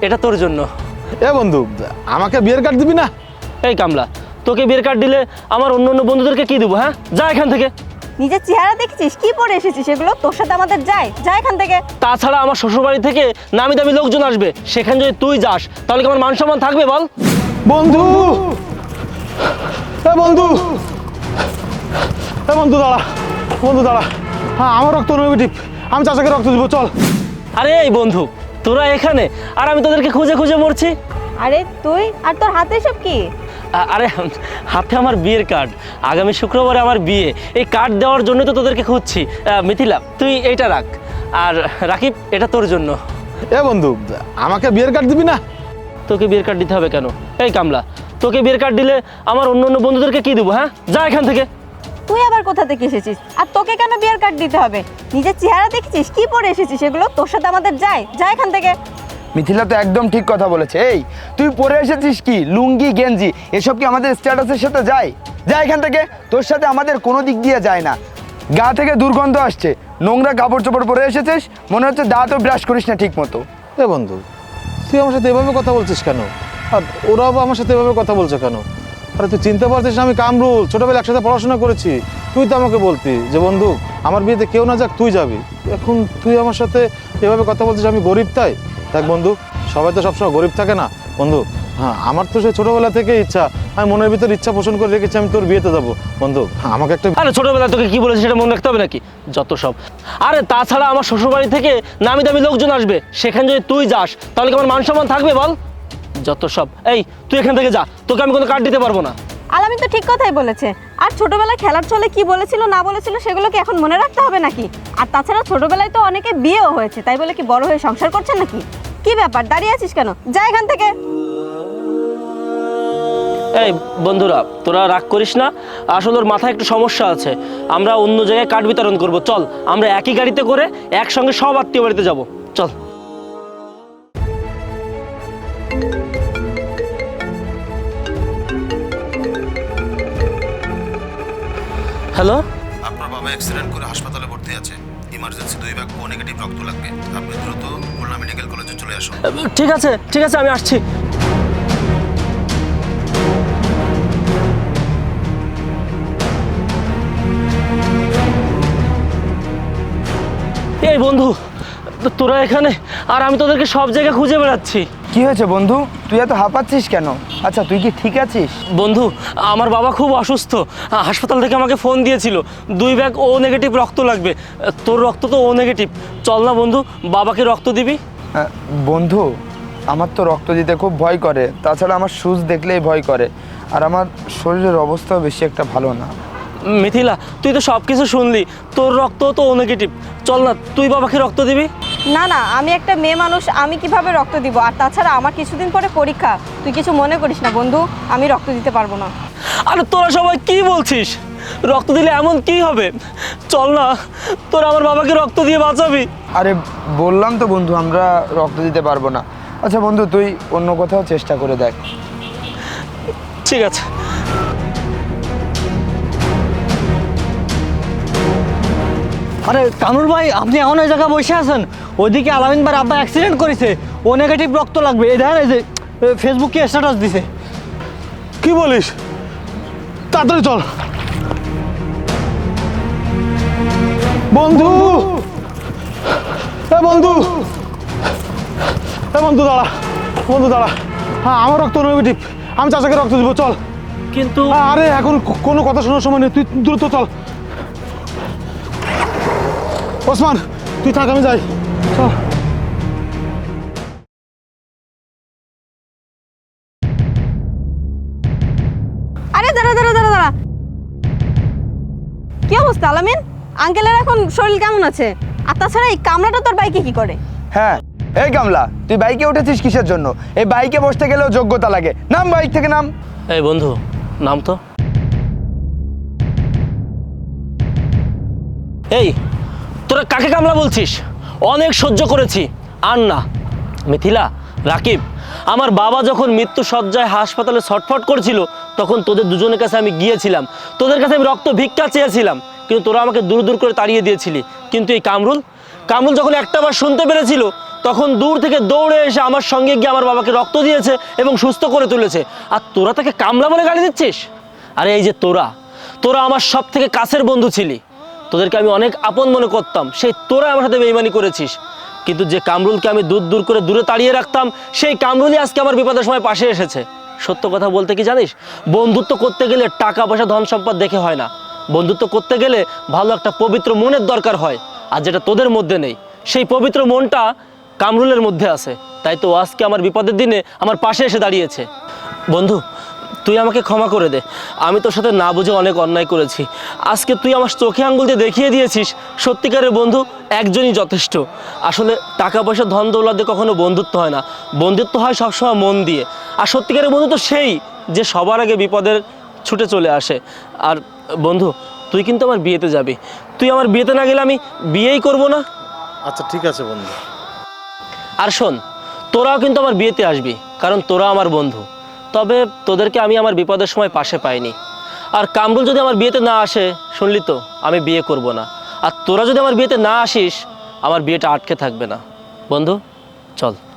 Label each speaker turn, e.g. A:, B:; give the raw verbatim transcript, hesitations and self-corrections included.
A: এটা তোর জন্য।
B: এ বন্ধু, আমাকে বিয়ের কার্ড দিবি না?
A: এই কামলা, তোকে বিয়ের কার্ড দিলে আমার অন্য অন্য বন্ধুদেরকে কি দেবো? হ্যাঁ, যা এখান থেকে।
C: নিজের চেহারা দেখেছিস কি পরে এসেছিস, এগুলো তোর সাথে আমাদের যায়? যা এখান থেকে।
A: তাছাড়া আমার শ্বশুরবাড়ি থেকে নামি দামি লোকজন আসবে, সেখানে যদি তুই যাস তাহলে কি আমার মান সম্মান থাকবে বল?
B: বন্ধু, এ বন্ধু, এ বন্ধু দাঁড়া, বন্ধু দাঁড়া। হ্যাঁ, আমার রক্ত নেগেটিভ, আমি চাচাকে রক্ত দিব, চল।
A: আরে এই বন্ধু, তোরা এখানে আর আমি তোদেরকে খুঁজে খুঁজে মরছি।
C: আরে তুই আর তোর হাতে সব কি?
A: আ- আরে হাতে আমার বিয়ের কার্ড, আগামী শুক্রবারে আমার বিয়ে, এই কার্ড দেওয়ার জন্য তো তোদেরকে খুঁজছি। আহ, মিথিলা, তুই এইটা রাখ, আর রাকিব এটা তোর জন্য।
B: এ বন্ধু, আমাকে বিয়ের কার্ড দিবি না?
A: তোকে বিয়ের কার্ড দিতে হবে কেন? এই কামলা, তোকে বিয়ের কার্ড দিলে আমার অন্য অন্য বন্ধুদেরকে কি দেবো? হ্যাঁ, যা এখান থেকে।
C: তুই আবার কোথা থেকে এসেছিস আর তোকে কেন বিয়ের কার্ড দিতে হবে? নিজের চেহারা দেখেছিস কি পরে এসেছিস, এগুলো তোর সাথে আমাদের যায়? যা এখান থেকে।
D: মিথিলা তো একদম ঠিক কথা বলেছে। এই তুই পরে এসেছিস কি লুঙ্গি গেঞ্জি, এসব কি আমাদের স্ট্যাটাসের সাথে যায়? যা এখান থেকে, তোর সাথে আমাদের কোনো দিক দিয়ে যায় না। গা থেকে দুর্গন্ধ আসছে, নোংরা কাপড় চোপড় পরে এসেছিস, মনে হচ্ছে দাঁতও ব্রাশ করিস না ঠিক মতো।
B: এ বন্ধু, তুই আমার সাথে এভাবে কথা বলছিস কেন? আর ওরাও আমার সাথে এভাবে কথা বলছে কেন? আরে তুই চিনতে পারছিস না আমি কামরুল, ছোটবেলা একসাথে পড়াশোনা করেছি। তুই তো আমাকে বলতি যে বন্ধু আমার বিয়েতে কেউ না যাক, তুই যাবি। এখন তুই আমার সাথে এভাবে কথা বলছিস আমি গরিব তাই? দেখ বন্ধু, সবাই তো সবসময় গরিব থাকে না বন্ধু। হ্যাঁ, আমার তো সেই ছোটবেলা থেকে ইচ্ছা, আমি মনের ভিতর ইচ্ছা পোষণ করে রেখেছি আমি তোর বিয়েতে যাবো। বন্ধু, আমাকে একটা।
A: আরে ছোটবেলায় তোকে কি বলেছি সেটা মনে রাখতে হবে নাকি? যত সব। আরে তাছাড়া আমার শ্বশুরবাড়ি থেকে নামি দামি লোকজন আসবে, সেখানে যদি তুই যাস তাহলে কি আমার মান সম্মান থাকবে বল? যত সব। এই তুই এখান থেকে যা, তোকে আমি কোনো কার্ড দিতে পারবো না।
C: আলামিন তো ঠিক কথাই বলেছে। আর ছোটবেলায় খেলার ছলে কি বলেছিল না বলেছিল সেগুলো কি এখন মনে রাখতে হবে নাকি? আর তাছাড়া ছোটবেলায় তো অনেকে বিয়েও হয়েছে, তাই বলে কি বড় হয়ে সংসার করছেন নাকি? কি ব্যাপার, দাঁড়িয়ে আছিস কেন? যা এখান থেকে।
A: এই বন্ধুরা, তোরা রাগ করিস না, আসলে ওর মাথায় একটু সমস্যা আছে। আমরা অন্য জায়গায় কার্ড বিতরণ করব, চল আমরা একই গাড়িতে করে একসঙ্গে সব আত্মীয় বাড়িতে যাব, চল। হ্যালো,
E: আপনার বাবা অ্যাক্সিডেন্ট করে হাসপাতালে ভর্তি আছে। ইমার্জেন্সি দুই ভাগ ও নেগেটিভ রক্ত লাগবে। আপনি দ্রুত খুলনা মেডিকেল কলেজে চলে আসুন।
A: ঠিক আছে ঠিক আছে, আমি আসছি। এই বন্ধু, তোরা এখানে আর আমি তোদেরকে সব জায়গায় খুঁজে বেড়াচ্ছি।
D: কি হয়েছে বন্ধু, তুই এত হাঁপাচ্ছিস কেন? আচ্ছা তুই কি ঠিক আছিস?
A: বন্ধু, আমার বাবা খুব অসুস্থ, হাসপাতাল থেকে আমাকে ফোন দিয়েছিল, দুই ব্যাগ ও নেগেটিভ রক্ত লাগবে। তোর রক্ত তো ও নেগেটিভ, চল না বন্ধু, বাবাকে রক্ত দিবি।
D: আহ, বন্ধু, আমার তো রক্ত দিতে খুব ভয় করে, তাছাড়া আমার সুজ দেখলেই ভয় করে, আর আমার শরীরের অবস্থাও বেশি একটা ভালো না।
A: মিথিলা, তুই তো সব কিছু শুনলি, তোর রক্ত তো ও নেগেটিভ, চল না তুই বাবাকে রক্ত দিবি।
C: না না, আমি একটা মেয়ে মানুষ, আমি কিভাবে রক্ত দিব? আর তাছাড়া আমার কিছুদিন পরে পরীক্ষা, তুই কিছু মনে করিস না বন্ধু, আমি রক্ত দিতে পারবো না।
A: আরে তোরা সবাই কি বলছিস? রক্ত দিলে এমন কি হবে? চল না, তোরা আমার বাবাকে রক্ত দিয়ে বাঁচাবি।
D: আরে বললাম তো বন্ধু, আমরা রক্ত দিতে পারবো না। আচ্ছা বন্ধু, তুই অন্য কোথাও চেষ্টা করে দেখ।
A: ঠিক আছে।
F: আরে কামরুল ভাই, আপনি এমন ওই জায়গায় বসে আছেন, ওইদিকে আলামিন ভাই আব্বা অ্যাক্সিডেন্ট করেছে, ও নেগেটিভ রক্ত লাগবে। এই দেখেন, এই যে ফেসবুকে স্ট্যাটাস দিছে।
B: কি বলিস? তাড়াতাড়ি চল বন্ধু। এ বন্ধু, এ বন্ধু দাঁড়া, বন্ধু দাঁড়া। হ্যাঁ, আমার রক্ত নেগেটিভ, আমি চাচাকে রক্ত দিব, চল।
A: কিন্তু
B: আরে এখন কোনো কথা শোনার সময় নেই, তুই দ্রুত চল। ওসমান, তুই থাক, আমি যাই, চল।
C: আরে দাঁড়া দাঁড়া দাঁড়া দাঁড়া, কি অবস্থা আলামিন? আঙ্কেলের এখন শরীর কেমন আছে? আর তাছাড়া এই কামড়াটা তোর বাইকে কি করে?
D: হ্যাঁ, এই কামলা, তুই বাইকে উঠেছিস কিসের জন্য? এই বাইকে বসতে গেলেও যোগ্যতা লাগে, নাম বাইক থেকে নাম।
A: এই বন্ধু, নাম তো। এই তোরা কাকে কামলা বলছিস? অনেক সহ্য করেছি, আর না। মিথিলা, রাকিব, আমার বাবা যখন মৃত্যু সজ্জায় হাসপাতালে ছটফট করছিল, তখন তোদের দুজনের কাছে আমি গিয়েছিলাম, তোদের কাছে আমি রক্ত ভিক্ষা চেয়েছিলাম, কিন্তু তোরা আমাকে দূর দূর করে তাড়িয়ে দিয়েছিলি। কিন্তু এই কামরুল, কামরুল যখন একটা বার শুনতে পেরেছিল তখন দূর থেকে দৌড়ে এসে আমার সঙ্গে গিয়ে আমার বাবাকে রক্ত দিয়েছে এবং সুস্থ করে তুলেছে। আর তোরা তাকে কামলা বলে গালি দিচ্ছিস? আরে এই যে তোরা তোরা আমার সব থেকে কাছের বন্ধু ছিলি, তোদেরকে আমি অনেক আপন মনে করতাম, সেই তোরা আমার সাথে বেইমানি করেছিস। কিন্তু যে কামরুলকে আমি দূর দূর করে দূরে তাড়িয়ে রাখতাম, সেই কামরুলই আজকে আমার বিপদের সময় পাশে এসেছে। সত্য কথা বলতে কি জানিস, বন্ধুত্ব করতে গেলে টাকা পয়সা ধন সম্পদ দেখে হয় না, বন্ধুত্ব করতে গেলে ভালো একটা পবিত্র মনের দরকার হয়। আর যেটা তোদের মধ্যে নেই, সেই পবিত্র মনটা কামরুলের মধ্যে আছে, তাই তো আজকে আমার বিপদের দিনে আমার পাশে এসে দাঁড়িয়েছে। বন্ধু, তুই আমাকে ক্ষমা করে দে, আমি তোর সাথে না বুঝে অনেক অন্যায় করেছি। আজকে তুই আমার চোখে আঙ্গুল দিয়ে দেখিয়ে দিয়েছিস সত্যিকারের বন্ধু একজনই যথেষ্ট। আসলে টাকা পয়সা ধন দৌলত দিয়ে কখনো বন্ধুত্ব হয় না, বন্ধুত্ব হয় সবসময় মন দিয়ে। আর সত্যিকারের বন্ধু তো সেই যে সবার আগে বিপদের ছুটে চলে আসে। আর বন্ধু, তুই কিন্তু আমার বিয়েতে যাবি, তুই আমার বিয়েতে না গেলে আমি বিয়েই করব না।
B: আচ্ছা ঠিক আছে বন্ধু।
A: আর শোন, তোরাও কিন্তু আমার বিয়েতে আসবি, কারণ তোরা আমার বন্ধু। তবে তোদেরকে আমি আমার বিপদের সময় পাশে পাইনি। আর কামরুল যদি আমার বিয়েতে না আসে, শুনলি তো, আমি বিয়ে করব না। আর তোরা যদি আমার বিয়েতে না আসিস, আমার বিয়েটা আটকে থাকবে না। বন্ধু চল।